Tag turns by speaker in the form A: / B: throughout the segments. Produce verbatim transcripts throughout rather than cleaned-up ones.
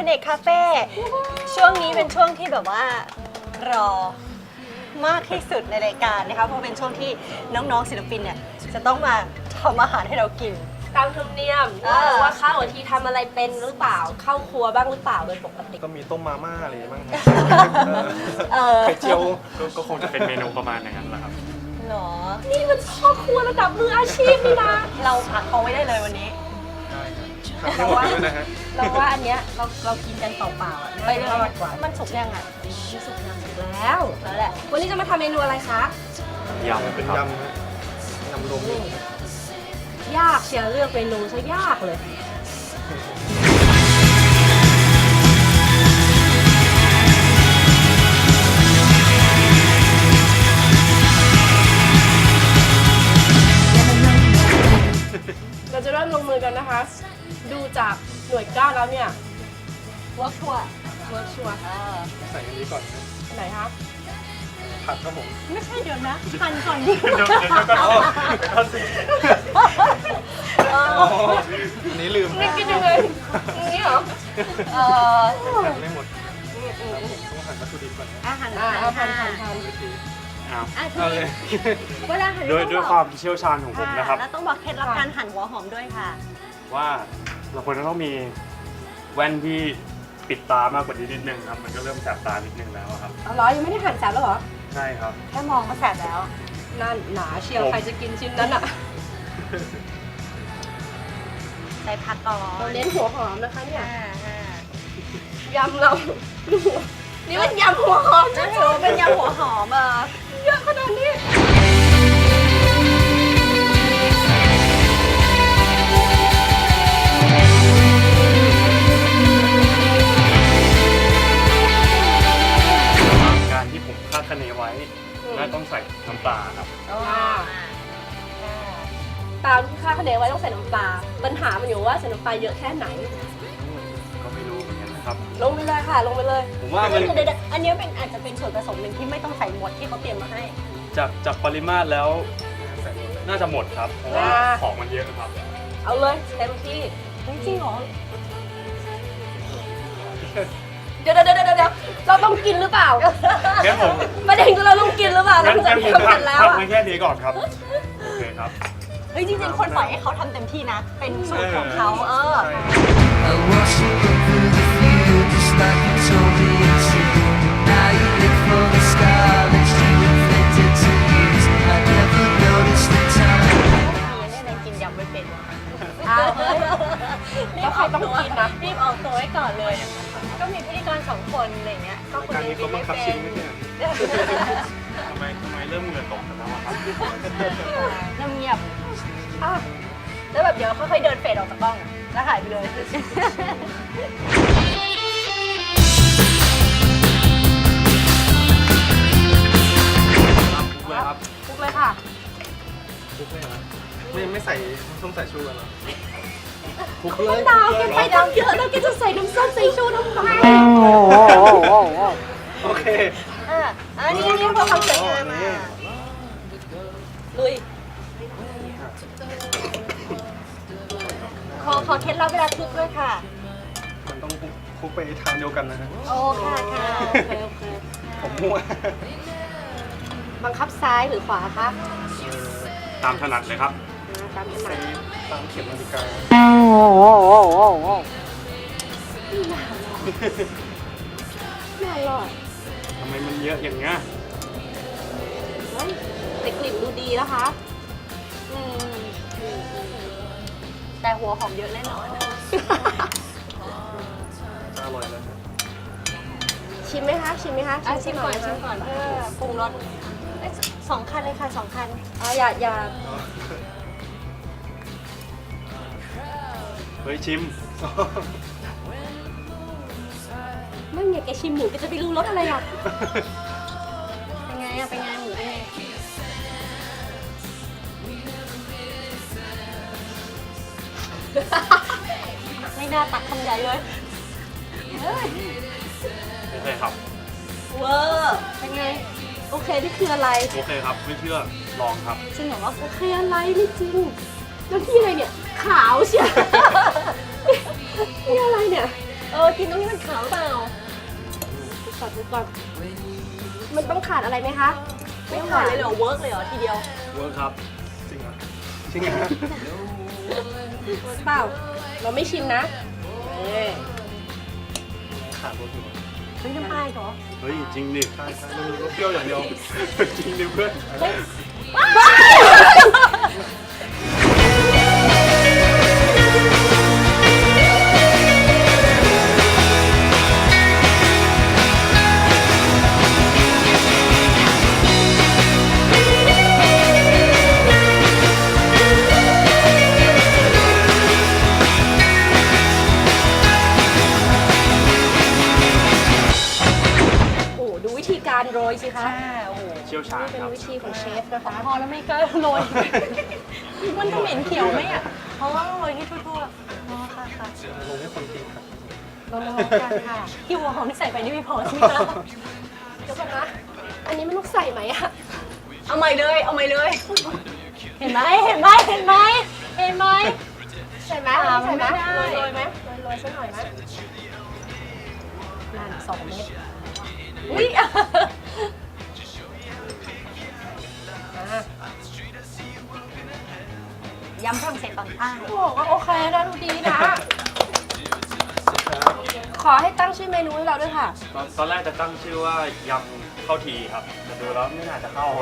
A: เนกคาเฟ่ช่วงนี้เป็นช่วงที่แบบว่ารอมากที่สุดในรายการนะคะเพราะเป็นช่วงที่น้องๆศิลปินเนี่ยจะต้องมาทำอาหารให้เรากิน
B: ตามธรรมเนียมว่าว่าข้าวทีทำอะไรเป็นหรือเปล่าเข้าครัวบ้างหรือเปล่าโดยปกติ
C: ก็มีต้มมาม่าอะไรบ้าง
A: ไข่
C: เจียว
D: ก็คงจะเป็นเมนูประมาณอย่างนั้นแหละครับ
A: หรอ
B: นี่มันพ่อครัวระดับมืออาชีพนี่นะ
A: เราผัดเขาไว้ได้เลยวันนี้
C: เราว่า
B: เราว่าอันเนี้ยเราเรากินกันเปล่าๆอ่ะ
A: ไปเลยมันสุกยังอ่ะ
B: มันสุกยังสุกแล้วแล้วแหละวันนี้จะมาทำเมนูอะไรคะ
D: ยำ
C: เป็นยำยำรวม
B: ยากเชียวเลือกเมนูซะยากเลยเราจะเริ่มลงมือกันนะคะดูจากหน่วยก้านแล้วเนี่ย
A: เวิร์กชัวร์
B: เวิร์กชัวร์
C: ใส่อันนี้ก่อน
B: ไหนคะ
C: ผัดครับผม
A: ไม่ใช่เดี๋ยวนะหั่นก่อนดิ
D: เดี๋ยวเดี๋ยวก็เอา
C: อันนี้ลืม
B: นี่กินยังไงอย่างนี้เหรอ
A: เออ
C: หั่นไม่หมดต้องหั่นวัตถุดิบก่อน
A: อาหาร
B: อาหารหั่นหั่น
D: เอาเลย
A: เวลาหั่น
D: ด้วยด้วยความเชี่ยวชาญของผมนะครับ
A: แล้วต้องบอกเคล็ดลับการหั่นหัวหอมด้วยค่ะ
D: ว่าเราควรจะต้องมีแว่นที่ปิดตามากกว่านี้นิดนึงครับมันก็เริ่มแสบตานิดนึงแล้วครับ
B: อ๋อเหรอยังไม่ได้หั่นแสบแล้วเหรอ
D: ใช่ครับ
A: แค่มองก็แสบแล้ว
B: นั่นหนาเชียวใครจะกินชิ้นนั้นอ่ะ
A: ใส่ผักก่อน
B: เราเน้นหัวหอมนะคะเนี่ยยำเรานี่มันยำหัวหอม
A: นะถือเป็นยำหัวหอมอ่ะ
B: เยอะขนาดนี้
D: การที่ผมคาดคะเนไว้น่าต้องใส่น้ำปลาครับ
B: ตามที่คาดคะเนไว้ต้องใส่น้ำปลาปัญหามันอยู่ว่าใส่น้ำปลาเยอะแค่ไหน
D: ก็ไม่รู้เหมือนกันนะครับ
B: ลงไปเลยค่ะลงไปเลย
D: ผมว่ามัน
A: อันนี้เป็นอาจจะเป็นส่วนผสมหนึ่งที่ไม่ต้องใส่หมดที่เขาเตรียมมาให้
D: จากจากปริมาตรแล้วน่าจะหมดครับเพราะว่าของมันเยอะครับ
B: เอาเลยเต็มที่
A: จริงเหรอ
B: เดี๋ยวเดี๋ยวเดี๋ยวเดี๋ยวเราต้องกินหรือเปล่า
D: งั้นผม
B: ประเด็นคือเราต้องกินหรือเปล่าเราจะทำกันแล้ว
D: อ่ะไม่แค่นี้ก่อนครับโอเคครับ
A: เฮ้ยจริงๆคนปล่อยให้เขาทำเต็มที่นะเป็นสูตรของเขาเออกินยำไม่เป็น
B: อ้าวรีบเอาต้องกินนะ
A: รีบเอาตัวไว้ก่อนเลยก็มีพิธีกรสองคนอะไรเงี้ยก็คนนี้กินไม่เป็น
D: ทำไมทำไมเริ่มเหงื่อตกกันแล้วครับ
A: น้ำเงียบแล้วแบบเดี๋ยวค่อยๆเดินเฟดออกจากกล้องแล้วหายไปเลย
D: คลุกเลยครับ
B: คลุกเลยค่ะ
C: คลุกเลยนะไม่ไม่ใส่ต้องใส่ชูกันหรอ
B: คลุกเลยดาวแกไปดาวเยอะแล้วแกจะใส่น้ำส้มใส่ชูทำไม
C: โอเค
A: อ่ะอันนี้นี่พอความสวยงามมาลุยขอขอเคล็ดลับเวลาคลุกด้วยค่ะ
C: มันต้องคลุกไปทางเดียวกันนะฮะ
A: โอ้ค่ะค่ะโอเคโอเค
C: ผมมั่ว
B: บังคับซ้ายหรือขวาคะ
D: ตามถนัดเลยครับ
B: ตามถนัด
C: ตามเข็มนาฬิกา
B: ไม่อร่อย
D: ทำไมมันเยอะอย่างเงี้ย
B: แต่กลิ่นดูดีนะคะ
A: แต่หัวหอมเยอะแน่นอน
C: อร่อยเลย
B: ชิมไหมคะชิมไหมคะ
A: ชิมก่อนชิมก่อนเออปรุงรสสองคันเลยค่ะสองคัน
B: อ๋ออย่าอย่า
D: เฮ้ยชิม
B: ไม่เนี่ยแกชิมหมูแกจะไปรู้รสอะไรอ่ะ
A: เป็นไงอ่ะเป็นไงหมูเป็นไงไม่น่าตักคำใหญ่เลยเฮ้ย
D: โอเคครับ
A: เวอร์เป็นไงโอเคนี่คืออะไร
D: โอเคครับไม่เชื่อลองครับ
A: จริงเหรอว่า
B: โอเคอะไรไม่จริงแล้วที่อะไรเนี่ยขาวเชียวนี่อะไรเนี่ยเออกินตรงนี้มันขาวเปล่าดูก่อนดูก่อนมันต้องขาดอะไรไหมคะ
A: ไม่ขาดเลยเหรอเวิร์กเลยเหรอทีเดียว
C: เวิร์คครับ จริงเหรอจริงเหรอ
B: เปล่า เราไม่ชิมนะเอ้ย
C: ขาดรสอยู่
A: เฮ้ยน้ำปลาเหรอ
C: เฮ้ยจริงดิใช่ใช่ไม่มีรสเปรี้ยวอย่างเดียว จริงดิเพื่อน
B: โอ้ดูวิธีการโรยสิคะ
A: โอ้โห
D: เชี่ยวชาญ
B: นี่เป็น
D: ครับ
B: วิธีของเชฟนะคะ
A: พอแล้วไม่กล้าโรย มันจะเหม็นเขียวไหมอ่ะ เพราะว่าโรยที่ทั่วๆอ๋อค่ะค่ะ
C: ลงให้คนกินครับ
B: เรามาลองกันค่ะ
A: ที่หัวหอมที่ใส่ไปนี่ไม่พอใช่ไหมคะ
B: เดี๋ยวก่อนนะ อันนี้มันต้องใส่ไหมอะ
A: เอาใหม่เลย เอาใหม่เลย เห็นไหมเห็นไหมเห็นไหมเห็นไหม
B: ใส่ไหม
A: อ่า
B: ใส่ไหม
A: ไม่ได้
B: โรยโรยไหมโรยโรยสักหน่อยไหม
A: นั่นสองเม็ดอุ้ย
B: อ่ะ
A: ยำฝรั่งเศสตอนใต้
B: โอ้ก็โอเคนะดูดีนะ ขอให้ตั้งชื่อเมนูให้เราด้วยค่ะ
D: ตอนตอนแรกจะตั้งชื่อว่ายำข้าวทีครับแต่ดูแล้วไม่น่าจะเข้า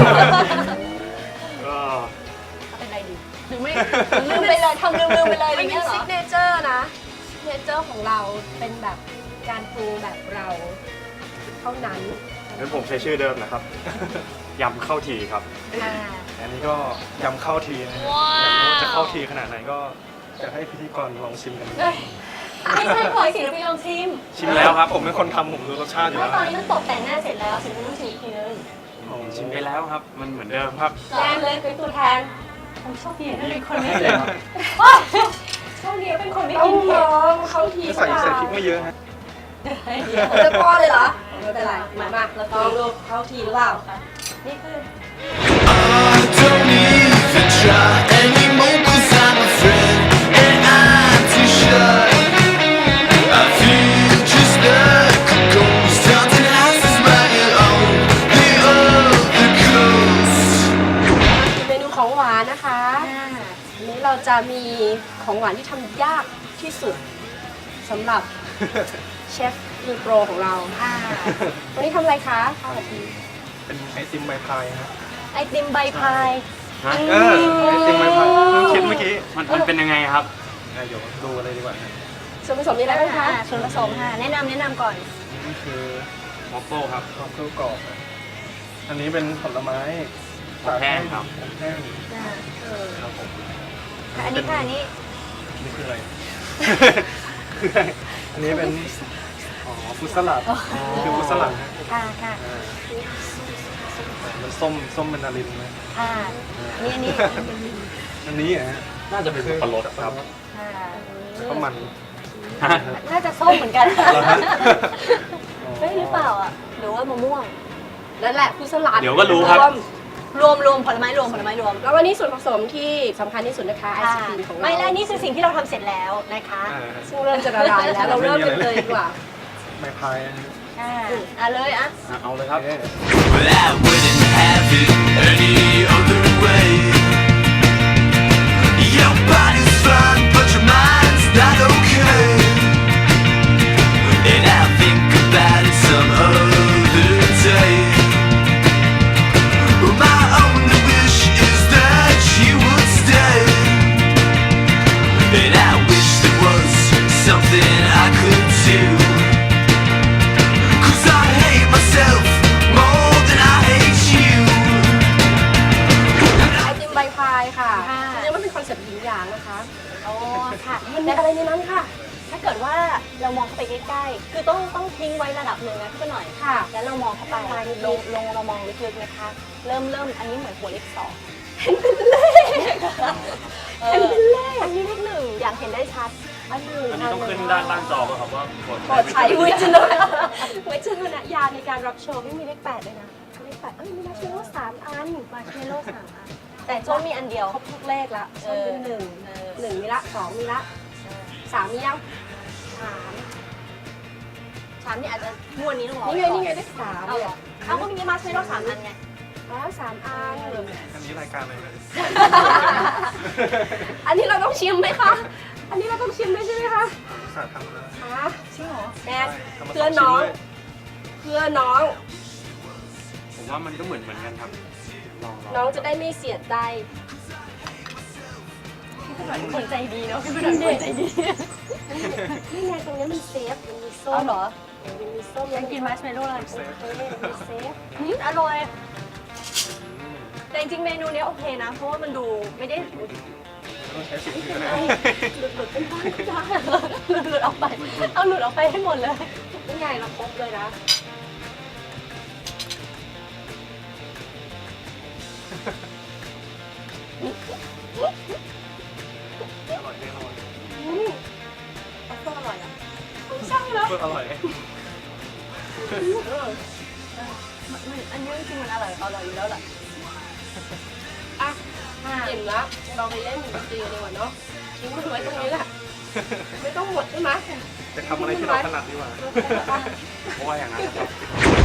D: ก็
A: เป็นไรดี
B: หรือไม่
A: ลืมไปเลยทำลืมลืมไปเลยอะไร
B: มันเป็
A: เงี้
B: น
A: ยเหร
B: ซิ
A: อก
B: เนเจอร์นะซิกเนเจอร์ของเราเป็นแบบการปรุงแบบเราเท่านั้น
D: งั้นผมใช้ชื่อเดิมนะครับ ยำข้าวทีครับ
A: อ่า
C: อันนี้ก็ยำเข้าทีนะฮะอยากรู้ว่าจะเข้าทีขนาดไหนก็อยากให้พิธีกรลองชิมกัน
B: เอ้ย
A: ไม่ใช่ขอศิลปินลองชิม
C: ชิมแล้วครับ ผมเป็นคนทำผมรู้รสชาติอยู่
A: ไม่
C: แล้ว
A: ตอนนี้มันตกแต่งหน้าเสร็จแล้วศิลปินต้องชิมอีกทีนึง
D: ชิมไปแล้วครับ มันเหมือนเดิมครับ
B: แจมเลยเป็นตัวแทน
A: ผมโชคดีที่เป็นคนไม่
D: ให้
A: กิ
D: เลย
A: น
D: ครับ
A: โชคดีที่เป็นคนไม่
B: ต้อ
A: กิ
B: ง
A: นเผ็
B: ล
A: ด
B: องเข้าที
C: ใส่ใส่พริกไม่เยอะฮะ
B: ผมจะป้อนเลยเหรอไม่เป็นไรมามาเราลองดูเข้าทีหรือเปล่า
A: นี่คือ
E: I don't even try anymore 'cause I'm a friend and I'm too shy. I feel just like a ghost haunting houses right on the other coast.
B: เมนูของหวานนะคะวันนี้เราจะมีของหวานที่ทำยากที่สุดสำหรับเชฟมือโปรของเรา
A: อ่า
B: วันนี้ทำอะไรคะข้าวกะทิ
C: เป็นไอติมใบพายฮะ
A: ไอติมใบพาย
D: ฮะ
C: เออไอติมใบพายเพิ่งคิดเมื่อกี้
D: มันมันเป็นยังไงครับ
C: อ่ะเดี๋ยวดูอะไรดีกว่าฮะ
B: ส่วนผสมมีอะไรบ้างคะ
A: อ่าส่วนผสมค่ะ แนะนำแนะนำก่อน
C: นี่คือ
D: มอฟเฟิลครับ
C: ข้าวเกลือกรอบนะอันนี้เป็นผลไม้
D: อบแห้งครับ
C: อบแห้ง
A: อ่า
C: ครับผม
A: ค่ะอันนี้ค่ะอันนี้
C: นี่คืออะไร อันนี้เป็น อ๋อฟรุตสลัดคือฟรุตสลัดฮะ
A: ค่ะค่ะ
C: อ่ามันส้มส้มเป็นนารินนะ
A: ค่ะอันนี้อันนี้
C: อันนี้อ่ะฮะ
D: น่าจะเป็นสับปะรดครับ
A: ค่ะ
C: แล้วก็มัน
D: ฮะ
A: น่าจะส้มเหมือนกัน
C: เหรอฮะ
A: เฮ้ยหรือเปล่าอ่ะหรือว่ามะม่วง
B: นั่นแหละผู้สลัด
D: เดี๋ยวก็รู้ครับ
B: วม
A: รวมรวมผลไม้รวมผลไม้รวม
B: แล้ววันนี้ส่วนผสมที่สำคัญที่สุดนะคะไอศ
A: ค่ะ
B: ครีมของเรา
A: ไม่แล้วนี่คือสิ่งที่เราทำเสร็จแล้วนะคะ
C: อ่า
B: ซึ่งเริ่มจะละลายแล้วเราเริ่มกันเลยดีกว่า
C: ไม้พายนะฮะ
A: อ่าอ่ะเลยอ่ะ
D: อ่ะเอาเลยครับ
C: โอเค
E: But I wouldn't have it any other way. Your body's fine, but your mind's not okay. And I'll think about it some other day. My only wish is that you would stay. And I wish there was something I could do. 'Cause I hate myself more than I hate you.
B: ไอติมใบพายค่ะ
A: ค่ะ
B: จริงๆมันเป็นคอนเซ็ปต์หญิงหยางนะคะ
A: โอ้ค่ะ
B: มันมีอะไรในนั้นค่ะ
A: ถ้าเกิดว่าเรามองเข้าไปใกล้ๆ คือต้องต้องทิ้งไว้ระดับหนึ่งนะพี่หน่อย
B: ค่ะ
A: แล้วเรามองเข้าไปลงลงเรามองลึกๆนะคะ เริ่มเริ่มอันนี้เหมือนหัวเลขสอง
B: เห็นเป็นเลข
A: เอออันนี้เลขหนึ่งอย่างเห็นได้ชัด
B: อันหนึ่ง
D: อันนี้ต้องขึ้นด้านล่างจอป่ะครับว่าผล
B: โปรดใช้วิจารณวิจารณญาณในการรับชม
A: ไม่มีเลขแปดเลยนะ
B: เลขแปดเอ้ยมีมาเชลโล่สามอัน
A: มาเชโลสามอันแต่โจ้มีอันเดียว
B: ครบทุกเลขละส้มเป็นหนึ่ง
A: เออ
B: หนึ่งมีละสองมีละสามมียัง
A: สามามนี่อาจจะงวดนี้ต้องรอ
B: นี่ไงนี่ไงได้สาม
A: เอาเหรอเอาก็มีมาซื้อเราสามอันไง
B: อ๋อสามอัน
C: อันนี้รายการอะไรนะ
B: อันนี้เราต้องชิมไหมคะ อันนี้เราต้องชิมไหมใช่ไหมคะ
C: ศาสตร์ทำแล้ว
B: คะ
A: จริงเหรอ
B: แม่
C: ทำมา
B: เพื่อ
C: ส
B: น้อง
C: ชิ้ด้วย
B: เพื่อน้อง
D: ผมว่ามันก็เหมือนเหมือนกันครับลองลอง
B: น้องจะได้ไม่เสียใจ
A: พี่เป็นคนใจดีเนาะพี่เป็นคนใจดี
B: นี่ไงตรงนี้มันเซฟ มันมีส้
A: เอา
B: ม
A: เหรอ
B: มันมีส้ม
A: ยังกินมัชเมลโล่เลย
B: เซฟมันมีเซฟ
A: อืมอร่อยแต่จริงๆเมนูเนี้ยโอเคนะ เพราะว่ามันดูไม่ได้
C: ต้องใช้สิ่งที่นะ
B: หลุดหลุดเป็นบ้านจ้า
A: หลุดหลุดออกไป เอาหลุดออกไปให้หมดเลย
B: นี่ไงเราครบเลยนะ
C: อร่อยแน่นอน
B: อืมเอาส้มอร่อยอ่ะใช่แล้ว
C: เพื่ออร่อย
A: มันอันนี้จริงๆมันอร่อยอร่อยอยู่แล้วแหละ
B: อ่ะอิ่มแล้วเราไปเล่นดนตรีกันดีกว่าเนาะทิ้งมันไว้ตรงนี้แหละ ไม่ต้องหมดใช่ไหม
C: จะทำอะไรที่เราถนัดดีกว่า
D: เพราะว่าอย่างนั้นนะครับ